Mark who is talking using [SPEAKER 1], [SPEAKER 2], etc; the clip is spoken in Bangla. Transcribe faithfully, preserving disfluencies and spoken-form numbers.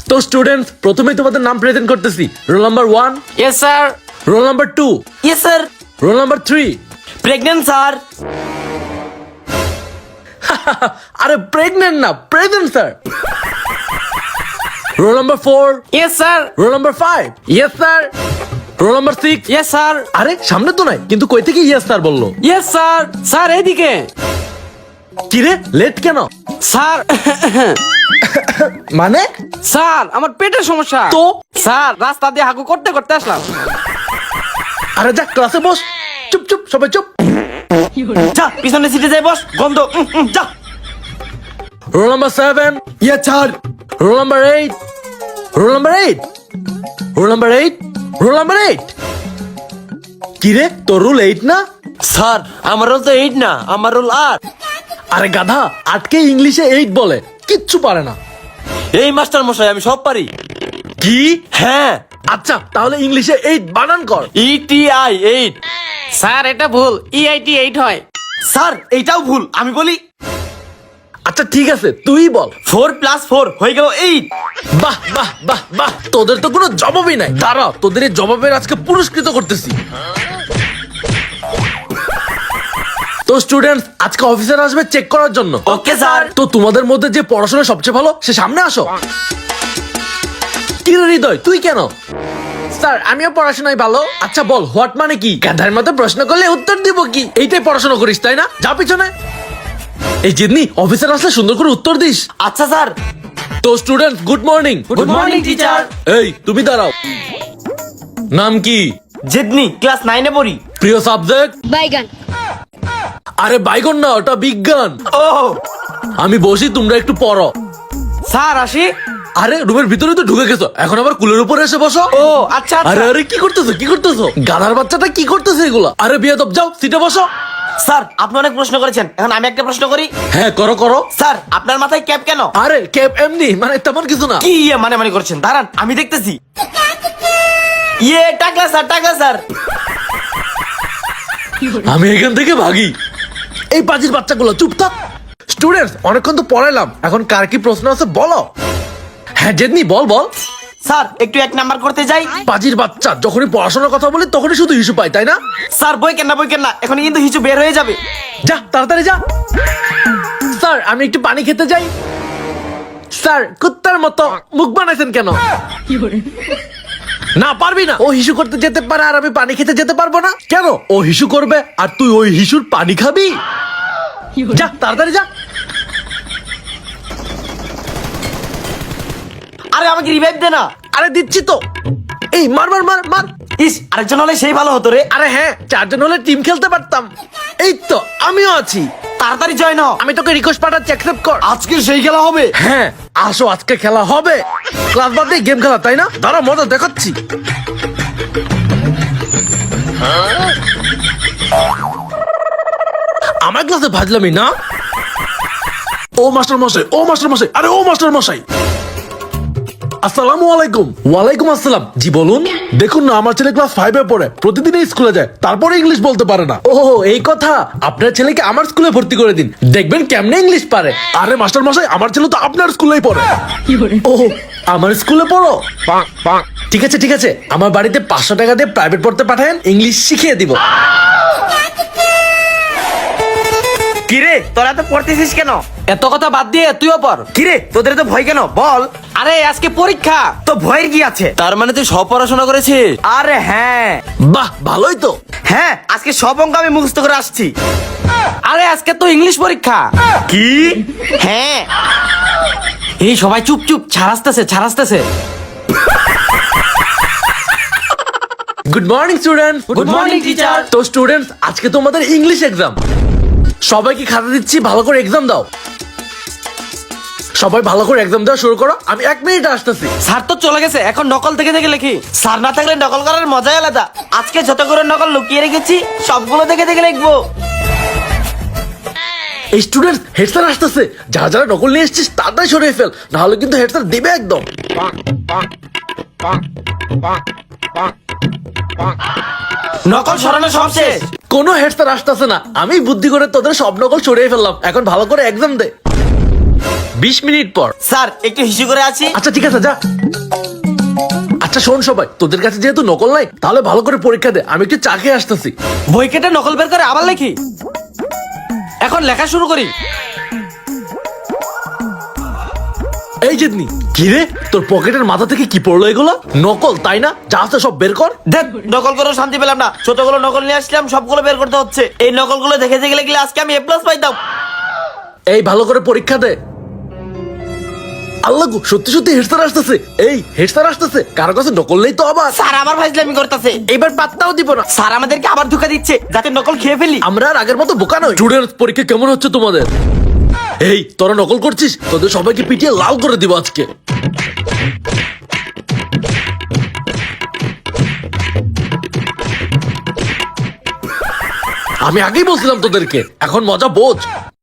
[SPEAKER 1] তো স্টুডেন্টস, প্রথমেই তোমাদের নাম প্রেজেন্ট করতেছি। Roll number one.
[SPEAKER 2] Yes sir.
[SPEAKER 1] Roll number two.
[SPEAKER 2] Yes sir.
[SPEAKER 1] Roll number three.
[SPEAKER 2] Pregnant sir.
[SPEAKER 1] আরে প্রেগনেন্ট না, present sir. Roll number four.
[SPEAKER 2] Yes sir.
[SPEAKER 1] Roll number five. Yes sir. Roll number six.
[SPEAKER 2] Yes sir.
[SPEAKER 1] আরে সামনে তো নাই, কিন্তু কই থেকে ইয়েস স্যার বললো?
[SPEAKER 2] Yes sir. স্যার এইদিকে।
[SPEAKER 1] কিরে লেট কেন?
[SPEAKER 2] স্যার
[SPEAKER 1] মানে?
[SPEAKER 2] স্যার আমার পেটের সমস্যা
[SPEAKER 1] তো?
[SPEAKER 2] স্যার রাস্তা দিয়ে হাগু করতে করতে আসলাম।
[SPEAKER 1] আরে যা ক্লাসে বস। চুপ চুপ সবাই চুপ।
[SPEAKER 2] যা পিছনে সিটে যাই বস, গন্ধ। উম, উম, যা।
[SPEAKER 1] Roll number seven.
[SPEAKER 2] Yes sir.
[SPEAKER 1] Roll number eight. Roll number eight. Roll number eight. Roll number eight. কিরে তোর রুল এইট না?
[SPEAKER 2] স্যার আমার রোল তো এইট না, আমার রোল আট।
[SPEAKER 1] আরে গাধা, আটকে ইংলিশে এইট বলে, কিচ্ছু পারে না।
[SPEAKER 2] এই মাস্টার মশাই আমি সব পারি।
[SPEAKER 1] কি?
[SPEAKER 2] হ্যাঁ।
[SPEAKER 1] আচ্ছা তাহলে ইংলিশে এইট বানান কর।
[SPEAKER 2] ETI eight. স্যার এটা ভুল, ইআইটি এইট হয়। স্যার এইটাও ভুল, আমি বলি
[SPEAKER 1] আচ্ছা ঠিক আছে তুই বল।
[SPEAKER 2] ফোর প্লাস ফোর হয়ে গেল এইট।
[SPEAKER 1] বাহ বাহ বাহ বাহ, তোদের তো কোনো জবাবই নাই। দাঁড়া, তোদের এই জবাবের আজকে পুরস্কৃত করতেছি। তো স্টুডেন্টস, আজকে অফিসার আসবে চেক করার জন্য।
[SPEAKER 2] Okay sir.
[SPEAKER 1] তো তোমাদের মধ্যে যে পড়াশোনা সবচেয়ে ভালো সে সামনে আসো। কি রে হৃদয়, তুই কেন? স্যার আমিও পড়াশোনায় ভালো। আচ্ছা বল হোয়াট মানে কি? গাধার মতো প্রশ্ন করলে উত্তর দিব কি? এইটাই পড়াশোনা করিস তাই না? যা পিছনে। এই জিদনি, অফিসার আসলে সুন্দর করে উত্তর দিস।
[SPEAKER 2] আচ্ছা স্যার।
[SPEAKER 1] তো student good morning.
[SPEAKER 2] Good morning teacher.
[SPEAKER 1] এই তুমি দাঁড়াও। নাম কি?
[SPEAKER 2] জেদনি, ক্লাস নাইনে পড়ি।
[SPEAKER 1] প্রিয় সাবজেক্ট?
[SPEAKER 3] বাইগান।
[SPEAKER 1] আরে বাইগন না, ওটা বিজ্ঞান।
[SPEAKER 2] ও
[SPEAKER 1] আমি বসি, তোমরা একটু পড়ো।
[SPEAKER 2] স্যার আসি।
[SPEAKER 1] আরে রুমের ভিতরে তো ঢুকে গেছো, এখন আবার কুলের উপরে এসে বসো।
[SPEAKER 2] ও আচ্ছা
[SPEAKER 1] আরে
[SPEAKER 2] আচ্ছা।
[SPEAKER 1] আরে কি করতেছো কি করতেছো? গাধার বাচ্চাটা কি করতেছে এগুলা? আরে বিয়াদব, যাও সিটে বসো।
[SPEAKER 2] স্যার আপনি অনেক প্রশ্ন করেছেন, এখন আমি একটা প্রশ্ন করি।
[SPEAKER 1] হ্যাঁ করো করো।
[SPEAKER 2] স্যার আপনার মাথায় ক্যাপ কেন?
[SPEAKER 1] আরে ক্যাপ এমনি, মানে তেমন কিছু না।
[SPEAKER 2] কি ইয়ে মানে মানে করছেন? দাঁড়ান আমি দেখতেছি। ইয়ে টাকা স্যার, টাকা স্যার।
[SPEAKER 1] আমি এখান থেকে ভাগি। এই পাজির বাচ্চাগুলো চুপ থাক। স্টুডেন্টস, অনেকক্ষণ তো পড়াইলাম, এখন কার কি প্রশ্ন আছে বলো। হ্যাঁ জেদনি বল বল।
[SPEAKER 2] স্যার একটু এক নাম্বার করতে যাই।
[SPEAKER 1] পাজির বাচ্চা, যখনই পড়াশোনার কথা বলি তখনই শুধু ইস্যু পাই তাই না?
[SPEAKER 2] স্যার বই কেন না, বই কেন না, এখন কিন্তু হিচু বের হয়ে যাবে।
[SPEAKER 1] যা তাড়াতাড়ি যা। স্যার আমি একটু পানি খেতে যাই। স্যার কুত্তার মতো মুখ বানাইছেন কেন? না পারবি না। ও হিসু করতে যেতে পারে আর আমি পানি খেতে যেতে পারবো না কেন? ও হিসু করবে আর তুই ওই হিসুর পানি খাবি। যা তাড়াতাড়ি যা।
[SPEAKER 2] আরে আমাকে রিভাইভ দে না।
[SPEAKER 1] আরে দিচ্ছি তো। এই মার মার মার মার।
[SPEAKER 2] ইস আরেকজন হলে সেই ভালো হতো রে।
[SPEAKER 1] আরে হ্যাঁ, চারজন হলে টিম খেলতে পারতাম। এই তো আমিও আছি।
[SPEAKER 2] তাড়াতাড়ি জয়েন হ।
[SPEAKER 1] আমি তোকে রিকোয়েস্ট পাঠাচ্ছি, অ্যাকসেপ্ট কর।
[SPEAKER 2] আজকে সেই খেলা হবে।
[SPEAKER 1] হ্যাঁ আসো, আজকে খেলা হবে। ক্লাস বাদ দিয়ে গেম খেলা তাই না? দাঁড়া মজা দেখাচ্ছি। আমার ক্লাসে ভাজলামই না। ও মাস্টার মশাই, ও মাস্টার মশাই, আরে ও মাস্টার মশাই। আসসালামু আলাইকুম। ওয়ালাইকুম আসসালাম। জি বলুন। দেখুন না, আমার ছেলে ক্লাস ফাইভে পড়ে, প্রতিদিন স্কুলে যায়, তারপরে ইংলিশ বলতে পারে না। ও এই কথা, আপনার ছেলেকে আমার স্কুলে ভর্তি করে দিন, দেখবেন কেমনে ইংলিশ পারে। আরে মাস্টার মশাই, আমার ছেলে তো আপনার স্কুলেই পড়ে। ও আমার স্কুলে পড়ো? ঠিক আছে ঠিক আছে, আমার বাড়িতে পাঁচশো টাকা দিয়ে প্রাইভেট পড়তে পাঠান, ইংলিশ শিখিয়ে দিব।
[SPEAKER 2] কিরে তোরা তো পড়তেছিস কেন? এত কথা বাদ দিয়ে তুইও পড়। কিরে তোদের তো ভয় কেন বল? আরে আজকে পরীক্ষা, তো ভয়ের কি আছে? তার মানে তুই সব পড়াশোনা করেছিস? আরে হ্যাঁ।
[SPEAKER 1] বাহ ভালোই তো।
[SPEAKER 2] হ্যাঁ আজকে সব অঙ্ক আমি মুখস্থ করে আসছি। আরে আজকে তো ইংলিশ পরীক্ষা।
[SPEAKER 1] কি?
[SPEAKER 2] হ্যাঁ। এই সবাই চুপ চুপ, ছাড়াসতেছে ছাড়াসতেছে।
[SPEAKER 1] Good morning students.
[SPEAKER 2] Good morning, teacher.
[SPEAKER 1] তো স্টুডেন্টস, আজকে তোমাদের ইংলিশ এক্সাম। সবাইকে খাতা দিচ্ছি, ভালো করে এক্সাম দাও। সবাই ভালো করে এক্সাম দেওয়া শুরু করো, আমি এক মিনিট আসতেছি।
[SPEAKER 2] স্যার তো চলে গেছে, এখন নকল থেকে থেকে লিখি। স্যার না থাকলে নকল করার মজাই আলাদা। আজকে যত করে নকল লুকিয়ে রেখেছি সবগুলো দেখে দেখে লিখবো।
[SPEAKER 1] এই স্টুডেন্টস, হেড স্যার আসতেছে, যারা যারা নকল নিয়ে এসেছিস তাড়াতাড়ি সরিয়ে ফেল, নাহলে কিন্তু হেড স্যার দেবে একদম।
[SPEAKER 2] নকল সরানো সব শেষ।
[SPEAKER 1] কোনো হেড স্যার আসতেছে না, আমি বুদ্ধি করে তোদের সব নকল সরিয়ে ফেললাম, এখন ভালো করে এক্সাম দে। বিশ মিনিট পর।
[SPEAKER 2] স্যার একটু হিসু করে আছি।
[SPEAKER 1] আচ্ছা ঠিক আছে, যা। আচ্ছা শোন সবাই, তোদের কাছে যেহেতু নকল নাই, তাহলে ভালো করে পরীক্ষা দে, আমি একটু চা খেয়ে আসতেছি।
[SPEAKER 2] বই কেটে নকল বের করে আবার লেখি। এখন লেখা শুরু করি।
[SPEAKER 1] এই জিতনি, কি রে তোর পকেটের মাথা থেকে কি পড়লো এগুলো? নকল তাই না? যা আছে সব বের কর।
[SPEAKER 2] দেখ নকল করে শান্তি পেলাম না, ছোটগুলো নকল নিয়ে আসলাম, সবগুলো বের করতে হচ্ছে। এই নকলগুলো দেখে দেখে গেলে আজকে আমি এ প্লাস পাইতাম।
[SPEAKER 1] এই ভালো করে পরীক্ষা দে। আল্লাহ গো, সত্যি সত্যি হেড স্যার আসতেছে। এই হেড স্যার আসতেছে, কারো কাছে নকল নেই তো আবার।
[SPEAKER 2] স্যার আবার ফাইজলামি করতেছে, এবার পাত্তাও দিব না। স্যার আমাদেরকে আবার ধোকা দিচ্ছে যাতে নকল খেয়ে ফেলি।
[SPEAKER 1] আমরা আর আগের মতো বোকা নই। স্টুডেন্টস, পরীক্ষা কেমন হচ্ছে তোমাদের? এই তোরা নকল করছিস, তোদের সবাইকে পিটিয়ে লাল করে দিব আজকে। আমি আগেই বলছিলাম তোদেরকে, এখন মজা বোঝ।